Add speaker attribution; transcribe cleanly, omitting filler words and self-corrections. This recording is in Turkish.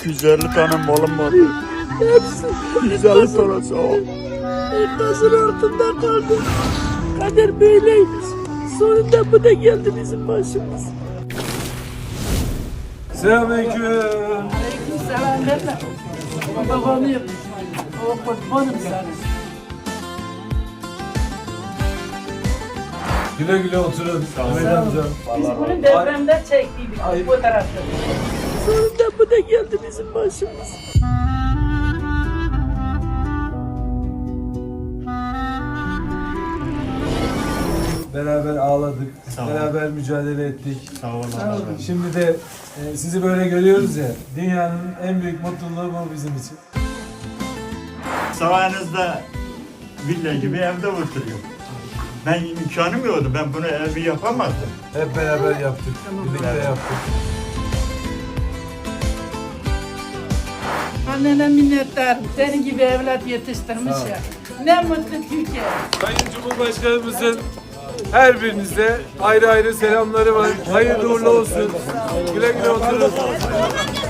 Speaker 1: 250 tane malım vardı.
Speaker 2: Hepsi
Speaker 1: 150 tane sağ ol.
Speaker 2: enkazın altında kaldı. Kader böyleymiş. Sonunda bu da geldi bizim başımız.
Speaker 3: Selamünaleyküm.
Speaker 2: Aleykümselam derler. Babanıyım. O kurbanım sana.
Speaker 3: Güle güle oturun. Ahmet amcam.
Speaker 2: Biz bunu depremde çektiydik bu tarafta. Sonunda bu da geldi bizim başımız.
Speaker 3: Beraber ağladık. Beraber mücadele ettik.
Speaker 1: Sağ olun.
Speaker 3: Şimdi de sizi böyle görüyoruz ya. Dünyanın en büyük mutluluğu bu bizim için.
Speaker 1: Sayenizde villa gibi evde oturuyorum. Ben imkanım yoktu. Ben bunu evi yapamazdım.
Speaker 3: Hep beraber yaptık. Birlikte yaptık.
Speaker 2: Annene minnettarım. Senin gibi evlat yetiştirmiş ya. Ne mutlu Türkiye.
Speaker 3: Sayın Cumhurbaşkanımızın her birinize ayrı ayrı selamları var. Hayırlı uğurlu olsun. Güle güle oturun.